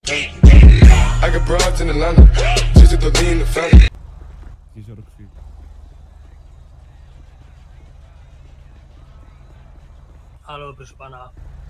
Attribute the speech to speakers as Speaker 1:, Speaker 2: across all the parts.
Speaker 1: I got broads in Atlanta, just to throw in the family.
Speaker 2: Jezioro krwi.
Speaker 3: Halo, proszę pana.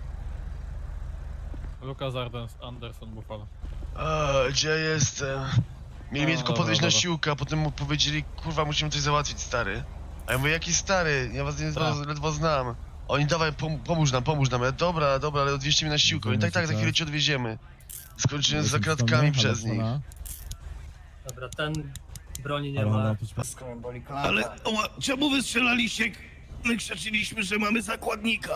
Speaker 4: Lukas Anderson, Buffalo.
Speaker 5: Gdzie jestem? Mieli mnie tylko
Speaker 4: dobra,
Speaker 5: podejść na
Speaker 4: dobra.
Speaker 5: siłkę, a potem mu powiedzieli, kurwa, musimy coś załatwić, stary. A ja mówię, jaki stary? Ja was ledwo znam. Oni, dawaj, pomóż nam. Ja, dobra, ale odwieźcie mnie na siłkę. Oni, tak, za chwilę cię odwieziemy. Skończyłem z zakratkami przez nich.
Speaker 3: Dobra, ten broni nie ma.
Speaker 6: Ale czemu wystrzelaliście? My krzyczyliśmy, że mamy zakładnika.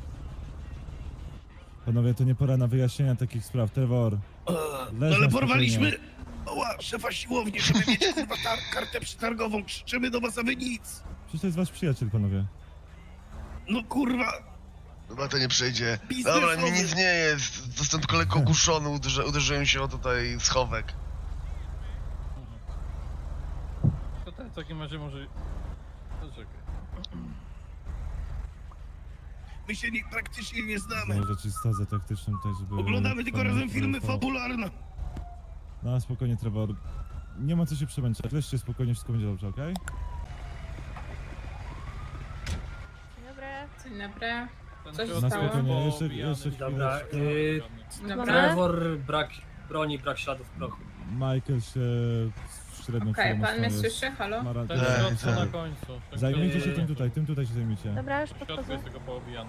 Speaker 2: Panowie, to nie pora na wyjaśnienia takich spraw. Trevor, leż
Speaker 6: Ale
Speaker 2: na
Speaker 6: porwaliśmy
Speaker 2: spokojnie.
Speaker 6: szefa siłowni, żeby mieć kurwa kartę przetargową. Krzyczymy do was, a wy nic.
Speaker 2: Przecież to jest wasz przyjaciel, panowie.
Speaker 6: No kurwa.
Speaker 5: Chyba to nie przejdzie.
Speaker 6: Biznesowy.
Speaker 5: Dobra, mi nic nie jest. Zostałem tylko lekko ogłuszony, uderzyłem się o tutaj schowek.
Speaker 4: To ten w takim razie może... Poczekaj.
Speaker 6: My się praktycznie nie znamy.
Speaker 2: Może ci stazę taktyczną tutaj, żeby...
Speaker 6: Oglądamy tylko razem filmy fabularne.
Speaker 2: No, spokojnie, Trevor. Nie ma co się przemęczać. Leżcie spokojnie, wszystko będzie dobrze, okej?
Speaker 7: Dzień dobry.
Speaker 4: Ten
Speaker 7: Coś
Speaker 4: środek
Speaker 2: Na
Speaker 7: stało?
Speaker 2: spokojnie, jeszcze
Speaker 4: poobijany.
Speaker 2: chwilę.
Speaker 3: Dobra,
Speaker 7: Dobra.
Speaker 3: Trevor, brak broni, brak śladów prochu.
Speaker 2: Michael się średnio
Speaker 7: Okej,
Speaker 2: przejmą,
Speaker 7: pan mnie
Speaker 2: jest-
Speaker 7: słyszy? Halo?
Speaker 2: ma ra-
Speaker 4: Ten
Speaker 5: Tak,
Speaker 4: środek
Speaker 5: tak.
Speaker 4: na końcu. Ten
Speaker 2: Zajmijcie się
Speaker 4: środek-
Speaker 2: tym tutaj się zajmijcie.
Speaker 7: Dobra, już
Speaker 4: W środku
Speaker 7: podchodzę.
Speaker 4: jest tylko poobijany.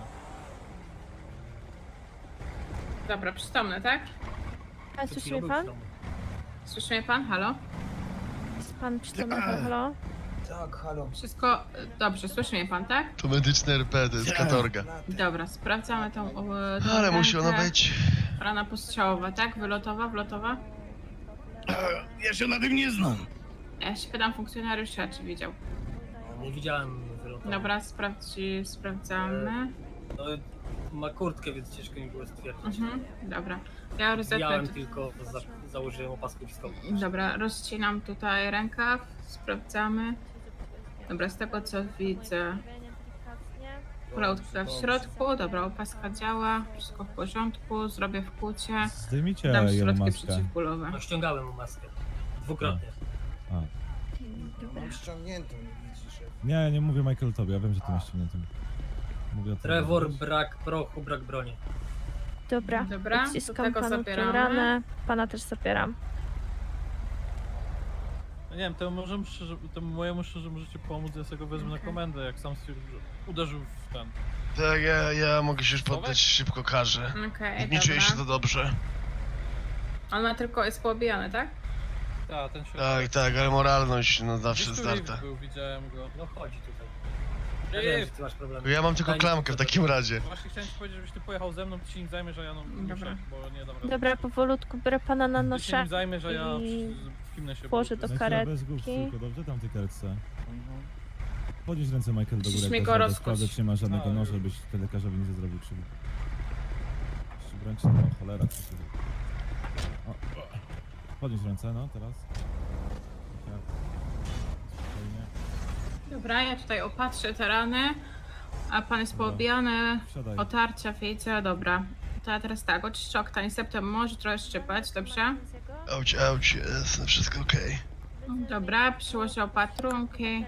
Speaker 7: Dobra, przytomny, tak? A słyszy mnie pan? Słyszy mnie pan? Halo? Jest pan przytomny? Halo?
Speaker 8: Tak, halo.
Speaker 7: Wszystko dobrze, słyszy mnie pan, tak?
Speaker 5: To medyczne RP, to jest katorga.
Speaker 7: Dobra, sprawdzamy tą
Speaker 5: Ale musi
Speaker 7: rękę.
Speaker 5: ona być.
Speaker 7: Rana postrzałowa, tak? Wylotowa, wlotowa?
Speaker 6: Ja się na tym nie znam.
Speaker 7: Ja się pytam funkcjonariusza, czy widział.
Speaker 3: Nie widziałem wylotu.
Speaker 7: Dobra, sprawdzamy.
Speaker 3: No, ma kurtkę, więc ciężko mi było stwierdzić.
Speaker 7: Dobra. Ja rozetnę...
Speaker 3: Widziałem tylko, założyłem opaskę wiskową.
Speaker 7: Dobra, rozcinam tutaj rękaw, sprawdzamy. Dobra, z tego co widzę, kulautka w środku, dobra, opaska działa, wszystko w porządku, zrobię wkłucie,
Speaker 2: Zdejmijcie
Speaker 7: dam
Speaker 2: jego
Speaker 7: środki
Speaker 2: maskę.
Speaker 7: przeciwbólowe.
Speaker 3: No, ściągałem mu maskę. Dwukrotnie.
Speaker 8: Mam ściągniętą, widzisz.
Speaker 2: Nie mówię Michael tobie, ja wiem, że ty masz na tym. Mówię o tobie.
Speaker 3: Trevor, brak prochu, brak broni.
Speaker 9: Dobra,
Speaker 7: Dobra,
Speaker 9: odciskam
Speaker 7: do tego
Speaker 9: panu
Speaker 7: zabieramy.
Speaker 9: tę ranę, pana też zabieram.
Speaker 4: No nie wiem, temu mojemu szczerze możecie pomóc, ja sobie go wezmę na komendę, jak sam stwierdził, że uderzył w ten.
Speaker 5: Tak, ja mogę się już poddać szybko karze.
Speaker 7: Okej,
Speaker 5: Nie czuję się to
Speaker 7: dobra.
Speaker 5: dobrze.
Speaker 7: On ma tylko, jest poobijany, tak?
Speaker 4: Tak, ten środek.
Speaker 5: Tak, ale moralność no zawsze
Speaker 4: Gdzieś tu
Speaker 5: zdarta.
Speaker 4: lift był, widziałem go.
Speaker 3: No chodzi tutaj. Ja wiem, że ty masz problemy.
Speaker 5: Ja mam tylko
Speaker 3: Daj mi
Speaker 5: klamkę w
Speaker 3: to,
Speaker 5: takim razie.
Speaker 4: Właśnie chciałem ci powiedzieć, żebyś ty pojechał ze mną, ty się nim zajmę, że ja no muszę,
Speaker 7: Dobra.
Speaker 4: bo nie dam rady.
Speaker 9: Dobra, powolutku biorę pana na
Speaker 4: Ty się
Speaker 9: noszę.
Speaker 4: nim zajmę, że ja
Speaker 9: i
Speaker 4: w kimnę się
Speaker 9: włożę do
Speaker 4: boję.
Speaker 2: Michael, bez głów,
Speaker 9: karetki.
Speaker 2: tylko dobrze tam w tej karetce.
Speaker 4: Mhm.
Speaker 2: Podnieś ręce Michael do góry,
Speaker 7: Musisz mi
Speaker 2: jak
Speaker 7: go
Speaker 2: dasz radę.
Speaker 7: rozkuć.
Speaker 2: Sprawdzę, czy nie ma żadnego
Speaker 4: No,
Speaker 2: noża, byś wtedy lekarzowi nic nie zrobił krzywdy. Ręce, no cholera, co się... O. Podnieś ręce, no teraz. Tak. Spokojnie.
Speaker 7: Dobra, ja tutaj opatrzę te rany, a pan jest
Speaker 2: Dobra.
Speaker 7: poobijany,
Speaker 2: Wsiadaj.
Speaker 7: otarcia, wiecie, dobra. To ja teraz tak, oczyszczę oktań, septem może trochę szczypać, dobrze?
Speaker 5: Auć, jest wszystko okej.
Speaker 7: Dobra, przyłożę opatrunki.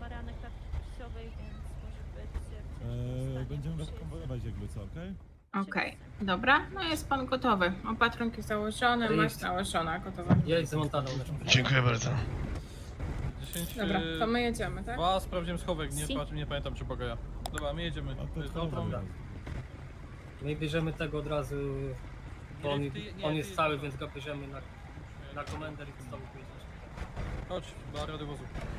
Speaker 2: Będziemy was konwojować jakby co, okej?
Speaker 7: Okej, dobra, no jest pan gotowy. Opatrunki założone,
Speaker 3: Jest.
Speaker 7: maść nałożona, gotowa.
Speaker 3: Jedź za Montaną.
Speaker 5: Dziękuję bardzo.
Speaker 4: 10,
Speaker 7: Dobra, to my jedziemy, tak?
Speaker 4: 2, sprawdziłem schowek,
Speaker 7: Si.
Speaker 4: nie pamiętam czy Bogaja. Dobra, my jedziemy.
Speaker 2: A
Speaker 4: To
Speaker 2: to
Speaker 4: jest
Speaker 2: co
Speaker 4: dobra.
Speaker 3: dobra. My bierzemy tego od razu, bo on jest cały, więc go bierzemy na komendę i z tobą pojedziesz.
Speaker 4: Chodź, do radiowozu.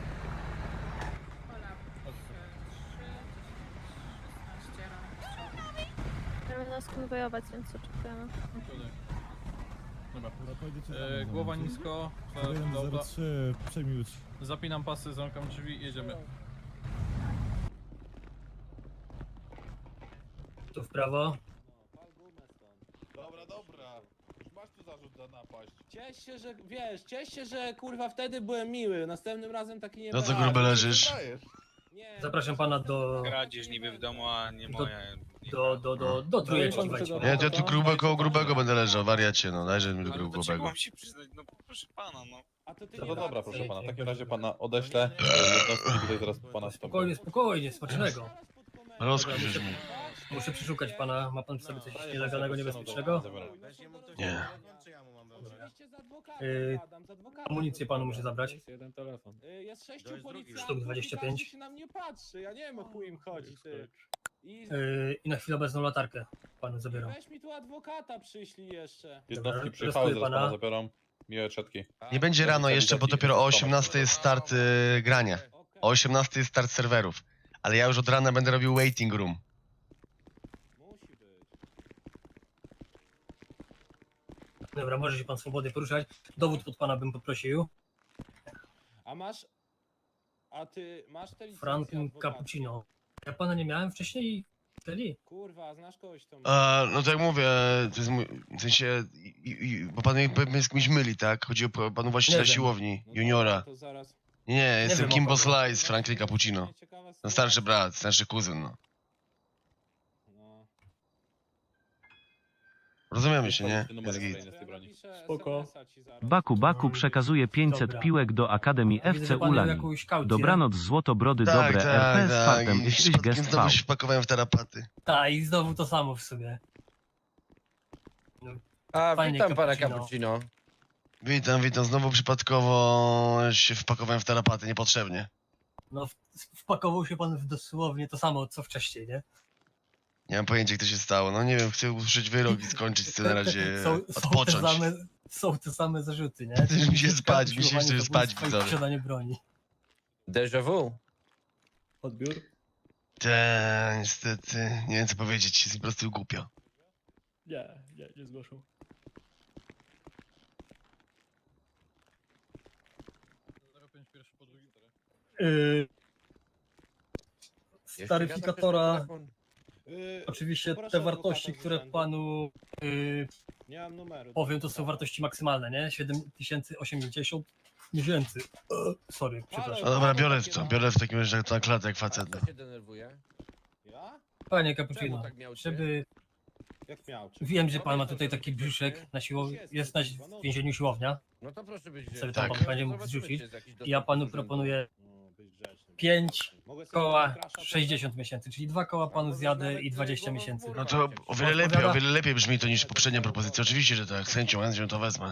Speaker 9: Będziemy nas konwojować, więc oczekujemy.
Speaker 4: Tutaj. Dobra.
Speaker 2: Dobra, pojedziecie za mną,
Speaker 4: Głowa
Speaker 2: dobra.
Speaker 4: nisko,
Speaker 2: Dobra. 03, przejmij już.
Speaker 4: zapinam pasy, zamykam drzwi i jedziemy.
Speaker 3: Tu w prawo.
Speaker 10: Dobra. Już masz tu zarzut za napaść.
Speaker 8: Ciesz się, że kurwa wtedy byłem miły, następnym razem taki nie
Speaker 5: No co
Speaker 8: będę.
Speaker 5: grube leżysz?
Speaker 10: Dajesz.
Speaker 8: Nie,
Speaker 3: Zapraszam pana do...
Speaker 11: Kradzież niby w domu, a nie moja.
Speaker 3: do trójeczki
Speaker 8: pan
Speaker 3: wejdźmy.
Speaker 8: czego-
Speaker 5: Nie, to ja tu koło grubego będę leżał, wariacie, no, dajże mi do grubego.
Speaker 10: No to dobra, proszę pana. W takim razie pana odeślę. Jednostki tutaj zaraz pana
Speaker 3: Spokojnie, spokojnie, smacznego.
Speaker 5: Rozkuś już mi.
Speaker 3: Muszę przeszukać pana. Ma pan w sobie coś nielegalnego, niebezpiecznego?
Speaker 5: Nie.
Speaker 3: Amunicję panu muszę zabrać.
Speaker 8: Jest jeden telefon.
Speaker 10: Jest 6 policjantów,
Speaker 3: Sztuk 25.
Speaker 10: i każdy się na mnie patrzy. Ja nie wiem, o chuj im chodzi, ty.
Speaker 3: I na chwilę obecną latarkę panu zabieram.
Speaker 10: Weź mi tu adwokata przyślij jeszcze.
Speaker 3: Dobra,
Speaker 10: Jednostki
Speaker 3: przyjechały, zaraz pana
Speaker 10: zabiorą. Miłe czetki.
Speaker 5: Nie będzie rano jeszcze, bo dopiero o 18 jest start grania. O 18 jest start serwerów. Ale ja już od rana będę robił waiting room.
Speaker 10: Musi być.
Speaker 3: Dobra, może się pan swobodnie poruszać. Dowód pod pana bym poprosił.
Speaker 10: A masz... A ty masz te licencje
Speaker 3: Franklin
Speaker 10: adwokackie?
Speaker 3: Cappuccino. Ja pana nie miałem wcześniej? Wtedy?
Speaker 10: Kurwa, znasz kogoś to
Speaker 5: No tak jak mówię, to jest mój, w sensie, bo pan mnie z kimś myli, tak? Chodzi o panu właściciela
Speaker 3: Nie wiem.
Speaker 5: siłowni,
Speaker 10: No to-
Speaker 5: juniora.
Speaker 10: To zaraz...
Speaker 5: Nie, jestem
Speaker 3: wiem, o
Speaker 5: Kimbo
Speaker 3: kogo.
Speaker 5: Slice, Franklin Cappuccino.
Speaker 10: Ciekawa
Speaker 5: No starszy
Speaker 10: sytuacja.
Speaker 5: brat, starszy kuzyn, no.
Speaker 10: No.
Speaker 5: Rozumiemy się, nie?
Speaker 10: To
Speaker 5: Jest
Speaker 10: ja
Speaker 5: git.
Speaker 10: napiszę
Speaker 8: Spoko.
Speaker 10: SMS-a ci zaraz.
Speaker 11: Baku przekazuje 500
Speaker 3: Dobra.
Speaker 11: piłek do Akademii
Speaker 3: Widzę,
Speaker 11: FC
Speaker 3: że pan miał
Speaker 11: Ulani.
Speaker 3: jakąś kaucję.
Speaker 11: Dobranoc złotobrody
Speaker 5: Tak,
Speaker 11: dobre RP z fartem
Speaker 5: I
Speaker 11: jesteś
Speaker 5: przypadkiem
Speaker 11: gest
Speaker 5: znowu
Speaker 11: V.
Speaker 5: się wpakowałem w tarapaty.
Speaker 3: Tak, i znowu to samo w sobie.
Speaker 8: A,
Speaker 3: Panie
Speaker 8: witam pana
Speaker 3: Cappuccino.
Speaker 8: Cappuccino.
Speaker 5: Witam, znowu przypadkowo się wpakowałem w tarapaty, niepotrzebnie.
Speaker 3: No, wpakował się pan w dosłownie to samo, co wcześniej, nie?
Speaker 5: Nie mam pojęcia, jak to się stało. No nie wiem, chcę usłyszeć wyrok i skończyć to na razie, odpocząć.
Speaker 3: Są te same zarzuty, nie?
Speaker 5: Chcesz mi się spać, mi się
Speaker 3: Usiłowanie
Speaker 5: chce spać,
Speaker 3: zabójstwa i
Speaker 5: widzowie.
Speaker 3: posiadanie broni.
Speaker 8: Déjà vu.
Speaker 3: Odbiór?
Speaker 5: Niestety, nie wiem co powiedzieć, jest po prostu głupio.
Speaker 3: Nie zgłaszał. Z taryfikatora oczywiście
Speaker 10: poproszę
Speaker 3: te
Speaker 10: adwokata
Speaker 3: wartości,
Speaker 10: z
Speaker 3: które
Speaker 10: urzędu.
Speaker 3: panu
Speaker 10: Nie mam numeru.
Speaker 3: powiem, to są wartości maksymalne, nie? 7080 miesięcy. Sorry, przepraszam.
Speaker 5: No dobra, biorę w takim razie to na klatę jak facet. no.
Speaker 8: Kto się denerwuje?
Speaker 10: Ja?
Speaker 3: Panie
Speaker 8: Czemu
Speaker 3: Cappuccino,
Speaker 8: tak miał cię?
Speaker 3: żeby...
Speaker 10: Jak miał?
Speaker 3: Wiem, że pan ma tutaj taki brzuszek na siłowni, jest w więzieniu siłownia.
Speaker 8: No to proszę być
Speaker 3: Sobie
Speaker 5: tam
Speaker 3: pan
Speaker 8: grzeczny.
Speaker 3: będzie mógł
Speaker 8: Zobaczymy,
Speaker 3: zrzucić.
Speaker 8: czy jest jakiś
Speaker 3: I ja
Speaker 8: dostęp
Speaker 3: panu
Speaker 8: do urzędu.
Speaker 3: proponuję
Speaker 10: No, być grzeczny.
Speaker 3: 5
Speaker 10: Mogę sobie
Speaker 3: koła
Speaker 10: tego crasha
Speaker 3: 60 miesięcy, czyli 2 koła panu zjadę i 20 miesięcy.
Speaker 5: No to o wiele lepiej brzmi to niż poprzednia propozycja. Oczywiście, że tak, z chęcią to wezmę.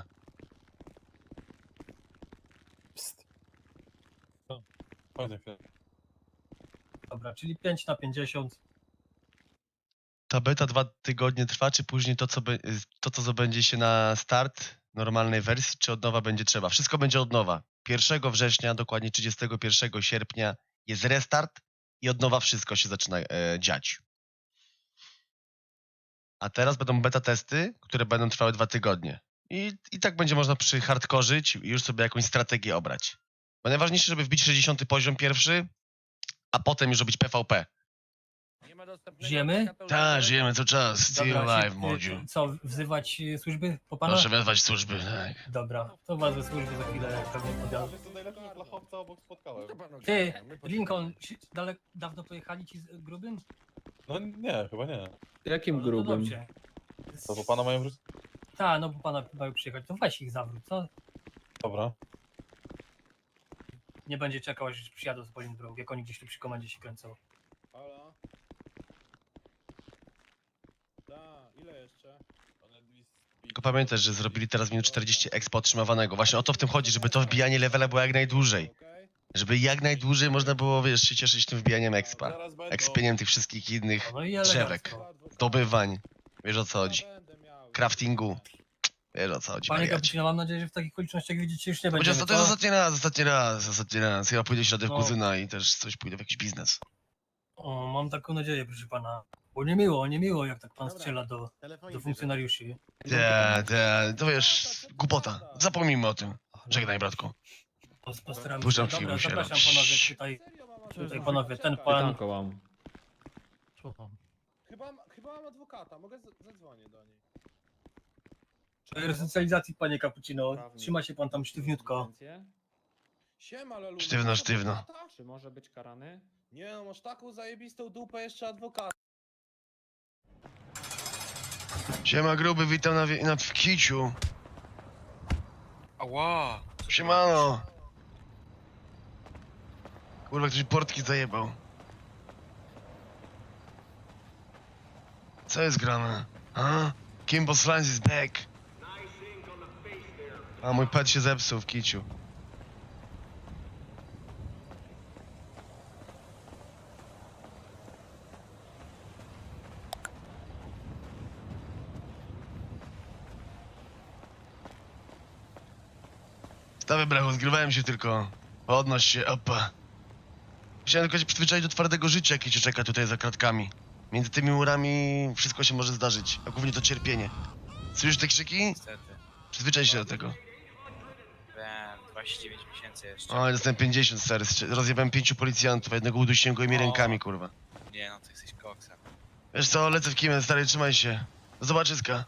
Speaker 3: Dobra, czyli 5 na 50.
Speaker 5: Ta beta 2 tygodnie trwa, czy później to co zabędzie się na start normalnej wersji, czy od nowa będzie trzeba? Wszystko będzie od nowa. 1 września, dokładnie 31 sierpnia jest restart i od nowa wszystko się zaczyna dziać. A teraz będą beta testy, które będą trwały 2 tygodnie. I tak będzie można przyhardkorzyć i już sobie jakąś strategię obrać. Bo najważniejsze, żeby wbić 60 poziom pierwszy, a potem już robić PvP.
Speaker 8: Nie ma dostępnego
Speaker 3: Żyjemy?
Speaker 8: adwokata
Speaker 5: Tak,
Speaker 8: urzędu?
Speaker 5: żyjemy cały czas. Still
Speaker 3: Dobra,
Speaker 5: alive, młodziu.
Speaker 3: co, wzywać służby po pana?
Speaker 5: Proszę wezwać służby, tak.
Speaker 3: Dobra, to wezwę służby za chwilę pewnie podjadę.
Speaker 10: To najlepszego flachowca obok spotkałem.
Speaker 8: No to panu
Speaker 3: Ty,
Speaker 8: grzeczny, my
Speaker 3: Lincoln, dawno pojechali ci z grubym?
Speaker 10: No nie, chyba nie.
Speaker 8: Jakim
Speaker 3: No, no dobrze.
Speaker 10: To po pana mają wrócić?
Speaker 3: Tak, no bo pana mają przyjechać, to weź ich zawrót, co?
Speaker 10: Dobra.
Speaker 3: Nie będzie czekał, aż przyjadą z Bolingbrook, jak oni gdzieś tu przy komendzie się kręcą.
Speaker 10: Halo? Tak, ile jeszcze?
Speaker 5: Tylko pamiętaj, że zrobili teraz minut 40 expo otrzymywanego. Właśnie o to w tym chodzi, żeby to wbijanie levela było jak najdłużej.
Speaker 10: Okej.
Speaker 5: Żeby jak najdłużej można było, wiesz, się cieszyć tym wbijaniem expa.
Speaker 10: Zaraz będą.
Speaker 5: Expieniem tych wszystkich innych
Speaker 3: No i
Speaker 5: drzewek,
Speaker 3: elegancko.
Speaker 5: zdobywań. Wiesz o co chodzi.
Speaker 10: Będę miał.
Speaker 5: Craftingu. Wiesz o co chodzi,
Speaker 3: Panie
Speaker 5: wariacie.
Speaker 3: Cappuccino, mam nadzieję, że w takich okolicznościach widzicie już nie
Speaker 5: Będzie
Speaker 3: będziemy,
Speaker 5: to jest
Speaker 3: co?
Speaker 5: ostatni raz. Chyba pójdę śladem
Speaker 3: No.
Speaker 5: kuzyna i też coś pójdę w jakiś biznes.
Speaker 3: O, mam taką nadzieję, proszę pana. Bo niemiło, jak tak pan strzela do funkcjonariuszy.
Speaker 5: To wiesz, głupota. Zapomnijmy o tym. Żegnaj, bratku.
Speaker 3: Postaramy się.
Speaker 5: Puszczam
Speaker 3: Dobra,
Speaker 5: film,
Speaker 3: zapraszam
Speaker 5: sieram.
Speaker 3: panowie tutaj panowie, ten pan...
Speaker 4: Mam. Słucham.
Speaker 10: Chyba mam adwokata, mogę zadzwonię do niej.
Speaker 3: Resocjalizacji, panie Cappuccino. Trzyma się pan tam sztywniutko.
Speaker 10: Siema, Lelu.
Speaker 5: Sztywno,
Speaker 10: masz
Speaker 5: sztywno.
Speaker 10: adwokata?
Speaker 8: Czy może być karany?
Speaker 10: Nie no, masz taką zajebistą dupę jeszcze adwokata.
Speaker 5: Siema gruby, witam w kiciu.
Speaker 12: Ała!
Speaker 5: Siemano. Kurwa, ktoś portki zajebał. Co jest grane? A? Kimbo Slans is back. A mój pet się zepsuł w kiciu. Stawię brachu, zgrywałem się tylko. Podnoś się, opa. Chciałem tylko się przyzwyczaić do twardego życia, jakie cię czeka tutaj za kratkami. Między tymi murami wszystko się może zdarzyć, a głównie to cierpienie. Słyszysz te krzyki?
Speaker 12: Niestety.
Speaker 5: Przyzwyczaj się do tego.
Speaker 12: Byłem 29 miesięcy jeszcze.
Speaker 5: O, dostałem 50, stary. Rozjebałem 5 policjantów, a jednego udusiłem gołymi rękami, kurwa.
Speaker 12: Nie no, ty jesteś koksem.
Speaker 5: Wiesz co, lecę w kimę, stary, trzymaj się. Do zobaczyska.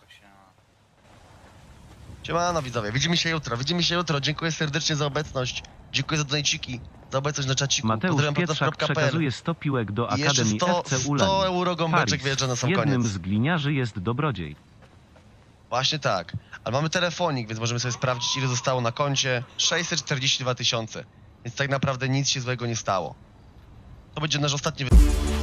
Speaker 5: Siemano widzowie, widzimy się jutro, dziękuję serdecznie za obecność. Dziękuję za donajciki, za obecność na czaciku.
Speaker 11: Mateusz
Speaker 5: Pozdrawiam
Speaker 11: Pietrzak
Speaker 5: podcast.pl.
Speaker 11: przekazuje 100 piłek do
Speaker 5: I jeszcze
Speaker 11: Akademii
Speaker 5: 100
Speaker 11: FC Ulań.
Speaker 5: euro gąbeczek
Speaker 11: Paris.
Speaker 5: wjeżdża na sam
Speaker 11: Jednym
Speaker 5: koniec.
Speaker 11: z gliniarzy jest Dobrodziej.
Speaker 5: Właśnie tak, ale mamy telefonik, więc możemy sobie sprawdzić, ile zostało na koncie. 642 000, więc tak naprawdę nic się złego nie stało. To będzie nasz ostatni